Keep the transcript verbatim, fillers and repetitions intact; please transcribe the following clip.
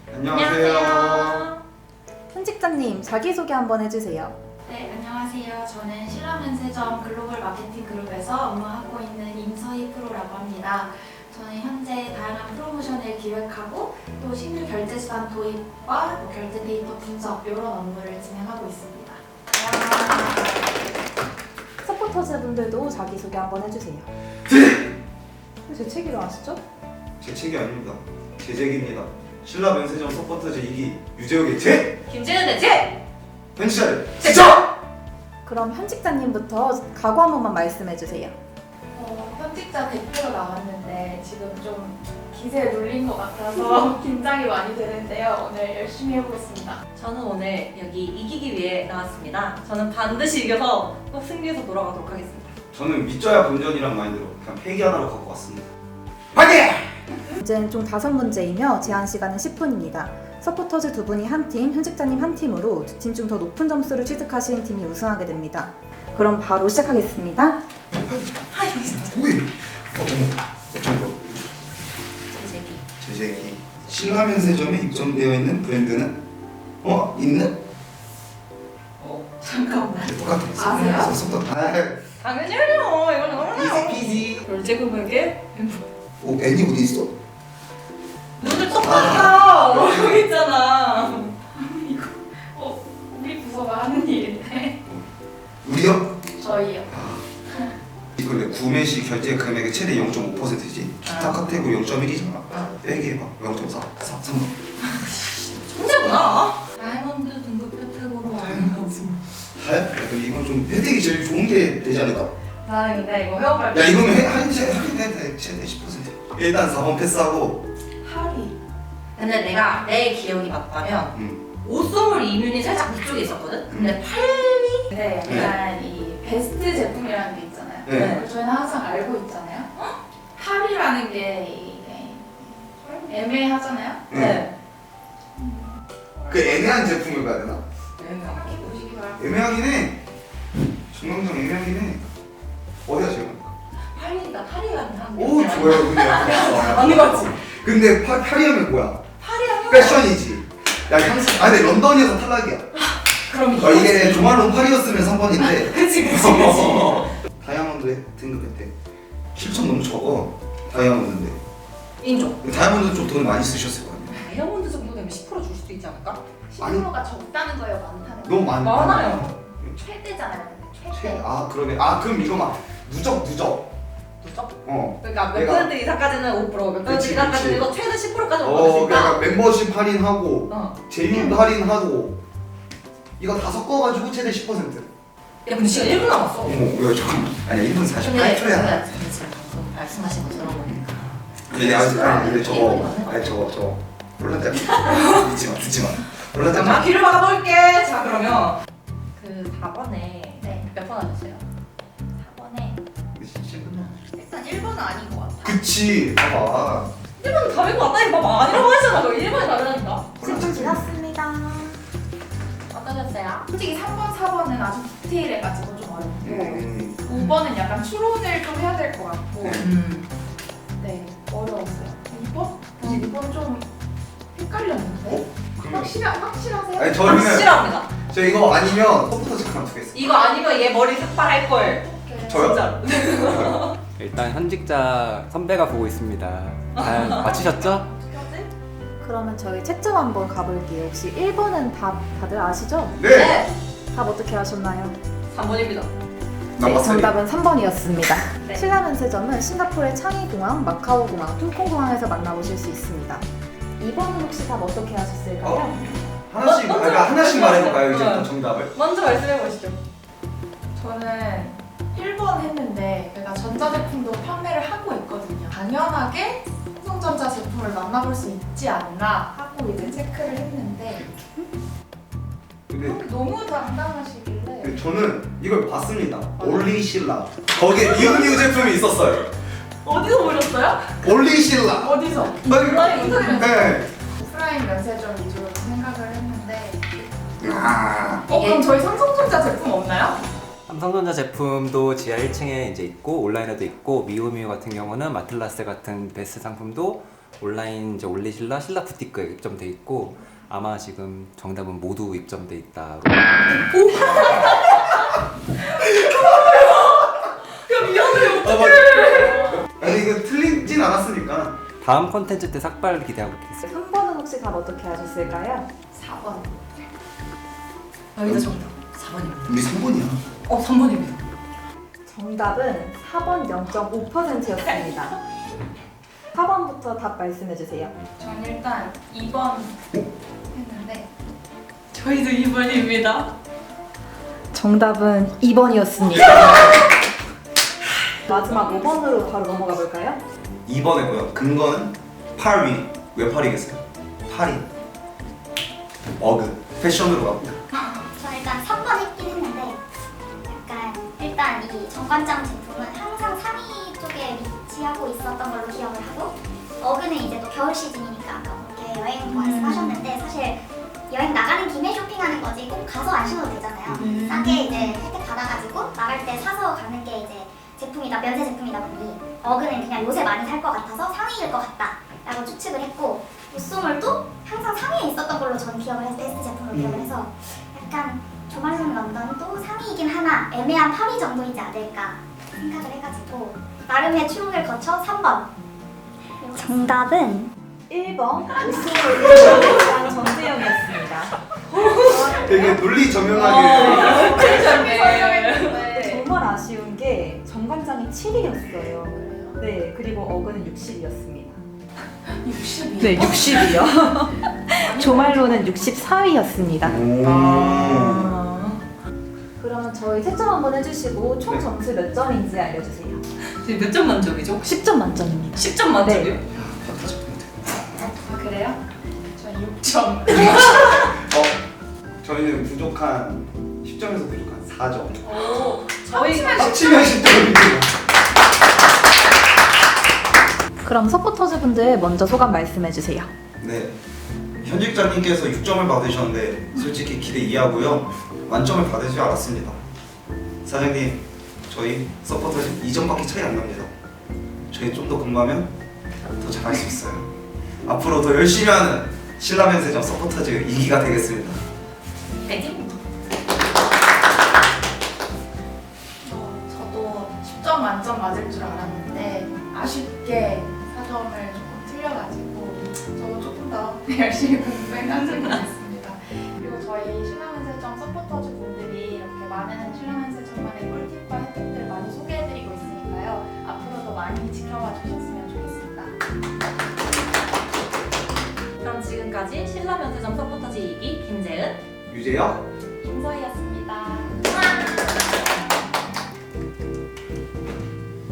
안녕하세요. 현직자님 자기소개 한번 해주세요. 네, 안녕하세요. 저는 신라면세점 글로벌 마케팅 그룹에서 업무하고 있는 임서희 프로라고 합니다. 저는 현재 다양한 프로모션을 기획하고 또 신규 결제수단 도입과 뭐 결제 데이터 분석 이런 업무를 진행하고 있습니다. 서포터즈 분들도 자기소개 한번 해주세요. 제 책이로 아시죠? 제 책이 아닙니다. 제 책입니다. 신라 면세점 서포터즈 이 기 유재욱의 제! 김재현의 제! 현실을 지쳐! 그럼 현직자님부터 각오 한 번만 말씀해주세요. 어, 현직자 대표로 나왔는데 지금 좀 기세에 눌린 것 같아서 긴장이 많이 되는데요. 오늘 열심히 해보겠습니다. 저는 오늘 여기 이기기 위해 나왔습니다. 저는 반드시 이겨서 꼭 승리해서 돌아가도록 하겠습니다. 저는 믿져야 본전이란 마인드로 그냥 패기 하나로 갖고 왔습니다. 파이팅! 문제는 총 다섯 문제이며 제한 시간은 십 분입니다. 서포터즈 두 분이 한 팀, 현직자님 한 팀으로 두 팀 중 더 높은 점수를 취득하시는 팀이 우승하게 됩니다. 그럼 바로 시작하겠습니다. 뭐야? 어떤 어떤 거? 제제기. 제재기. 신라 면세점에 입점되어 있는 브랜드는 어? 있는? 어, 잠깐만. 똑같아. 아세요? 썼던. 아, 당연히 해요. 이건 너무나요. 이지 결제금액에 오, 애니 어디 있어? 눈을 똑바로 아, 여기 있잖아. 어, 우리 부서가 하는 일인데 우리요? 저희요. 이걸 구매 시 결제 금액의 최대 영 점 오 퍼센트지. 기타 아. 카테고리 영 점 일이잖아. 빼기 해봐. 영 점 사, 사, 삼 번. 천재구나. 다이아몬드 등급 혜택으로 알려주세요. 하? 그럼 이건 좀 혜택이 제일 좋은 게 되지 않을까? 나 근데 이거 회원발 야 이거면 해- 할인 최- 할인 혜택 최대 십 퍼센트. 일단 사 번 패스하고. 하리. 근데 내가 내 기억이 맞다면 음. 옷 선물 이면이 살짝 그쪽에 있었거든? 근데 팔이 네, 약간 이 베스트 제품이라는 게 있잖아요. 네. 그걸 저희는 항상 알고 있잖아요. 할이라는 게 이게 애매하잖아요. 네. 그 애매한 제품을 가야 되나? 생각해 보시기 바랍니다. 애매하긴 해. 중간중 애매하긴 해. 어디가 제일 많을까? 팔이니까 팔이가 한 오 좋아요. 근데 약간 맞는 거 같지? 근데 파, 파리하면 뭐야? 팔이랑 패션이지. 야 향수. 아 근데 런던이어서 탈락이야. 그럼 어, 이게 조말론 파리였으면 삼 번인데. 그치 그치 그치. 다이아몬드 등급 혜택. 칠천 너무 적어. 다이아몬드인데. 인정. 다이아몬드 쪽 돈을 많이 쓰셨을 거 아니야. 다이아몬드 정도 되면 십 퍼센트 줄 수도 있지 않을까? 십 퍼센트가 적다는 거예요, 많다는 거예요? 너무 많. 많아요. 최대잖아요, 근데 최. 최대. 아 그러네. 아 그럼 이거 막 누적 누적. 누적? 어. 그러니까 몇 내가- 퍼센트 이상까지는 오 퍼센트, 몇 퍼센트 그치, 이상까지는 그치. 이거 최대 십 퍼센트까지 어 얻을 수 있다? 그러니까 멤버십 할인하고 어. 제휴 할인하고 이거 다 섞어가지고 최대 십 퍼센트. 야 근데 지금 일 분 남았어. 어머 야 잠깐만. 아니야 일 분 사십팔 초야. 근데 지금 방금 말씀하신 거 들어보니까 근데 아직 아니 근데 저거 일본이 맞는 거 아니 저거 저거 롤란짜리 듣지 마 듣지 마 자 롤란짜리 귀를 막아볼게. 자 그러면 그 사 번에 네. 몇 번 하셨어요? 사 번에 일단 일 번은 아닌 것 같아요. 그치 봐봐 일 번은 답인 거 맞다니까 봐. 아니라고 하잖아. 너 일 번이 답이라니까. 십 분 지났습니다. 어떠셨어요? 솔직히 삼 번, 사 번은 아주 디테일해가지고 좀 어렵고 음. 오 번은 약간 추론을 좀 해야 될 것 같고 음. 네, 어려웠어요. 이 번? 이 번 좀 헷갈렸는데? 어? 그러면 확실하, 확실하세요? 아니 저는 확실합니다. 저 이거 아니면 서포터즈 그만두겠어 이거 아니면 얘 머리 삭발할 걸. 오케이. 저요? 진짜로. 일단 현직자 선배가 보고 있습니다. 잘 맞추셨죠? 그러면 저희 채점 한번 가볼게요. 혹시 일 번은 답 다들 아시죠? 네! 답 어떻게 하셨나요? 삼 번입니다. 네, 남았어요. 정답은 삼 번이었습니다. 네. 신라면세점은 싱가포르의 창의공항, 마카오공항, 퉁콩공항에서 만나보실 수 있습니다. 이 번은 혹시 답 어떻게 하셨을까요? 어? 하나씩 먼저, 그러니까 하나씩 먼저 말해볼까요 하세요. 이제부터 어. 정답을? 먼저 말씀해 보시죠. 저는 일 번 했는데 제가 전자제품도 판매를 하고 있거든요. 당연하게 삼성전자 제품을 만나볼 수 있지 않나 하고 이제 체크를 했는데 근데 너무 당당하시길래 근데 저는 이걸 봤습니다 올리실라 거기에 미우미우 제품이 있었어요 어디서 보셨어요? 올리실라 어디서? 아니, 인터넷 네. 오프라인 면세점 위주로 생각을 했는데 아 어 그럼 저희 삼성전자 제품 없나요? 삼성전자 제품도 지하 일 층에 이제 있고 온라인에도 있고 미우미우 같은 경우는 마틀라스 같은 베스트 상품도 온라인 이제 올리실라 신라 부티크에 입점돼 있고 아마 지금 정답은 모두 입점돼 있다. 아니 이거 틀리진 않았으니까. 다음 컨텐츠 때 삭발 기대하고 있겠습니다. 삼 번은 혹시 답 어떻게 하셨을까요? 사 번. 여기다 정답. 사 번입니다. 우리 삼 번이야. 어, 삼 번입니다. 정답은 사 번 영 점 오 퍼센트였습니다. 사 번부터 답 말씀해 주세요. 전 일단 이 번 했는데 저희도 이 번입니다. 정답은 이 번이었습니다. 마지막 오 번으로 바로 넘어가 볼까요? 이 번에고요. 근거는 팔 위. 왜 팔이겠어요? 팔이. 어그. 패션으로 갑니다. 저 일단 삼 번 했긴 했는데 약간 일단 이 정관장 제품은 항상 삼 위 쪽에 위치하고 있었던 걸로 기억을 하고 어그는 이제 또 겨울 시즌이니까 아까 그렇게 여행 말씀하셨는데 사실 여행 나가는 김에 쇼핑하는 거지 꼭 가서 안 신어도 되잖아요. 싸게 이제 혜택 받아가지고 나갈 때 사서 가는 게 이제 제품이다 면세 제품이다 보니 어그는 그냥 요새 많이 살 것 같아서 상위일 것 같다 라고 추측을 했고 우쏘몰도 항상 상위에 있었던 걸로 전 기억을 해서 베스트 제품으로 기억을 해서 약간 조말론 런던도 상위이긴 하나 애매한 팔 위 정도이지 않을까 생각을 해가지고 나름의 추론을 거쳐 삼 번 정답은 일 번 우승을 전세영이었습니다. 되게 논리 정연하게. 설명했는데 정말 아쉬운 게 정관장이 칠 위였어요. 네, 그리고 어그는 육십이었습니다. 육십이. 네, 육십이요. 조말로는 육십사 위였습니다. 오. 그러면 저희 채점 한번 해주시고 총 네. 점수 몇 점인지 알려주세요. 지금 몇 점 만점이죠? 십 점 만점입니다. 십 점 만점이요? 아, 그래요? 전 육 점. 어, 저희는 부족한 십 점에서 부족한 사 점. 오, 저희가 합치면 십 점입니다. 그럼 서포터즈 분들 먼저 소감 말씀해주세요. 네. 현직자님께서 육 점을 받으셨는데 솔직히 기대 이하고요. 만점을 받을 줄 알았습니다. 사장님, 저희 서포터즈 이 점밖에 차이 안 납니다. 저희 좀 더 공부하면 더 잘할 수 있어요. 앞으로 더 열심히 하는 신라면세점 서포터즈 이 기가 되겠습니다. 파이팅! 어, 저도 십 점 만점 맞을 줄 알았는데 아쉽게 사 점을 조금 틀려가지고 저도 조금 더 열심히 공부해가지고 있습니다. 그리고 저희 신라면세점 서포터즈 분들이 이렇게 많은 신라면세점만의 꿀팁과 혜택들을 많이 소개해드리고 있으니까요. 앞으로도 많이 지켜봐 주셨으면 좋겠습니다. 그럼 지금까지 신라 면세점 서포터즈 이 기 김재은 유재혁 김서희였습니다.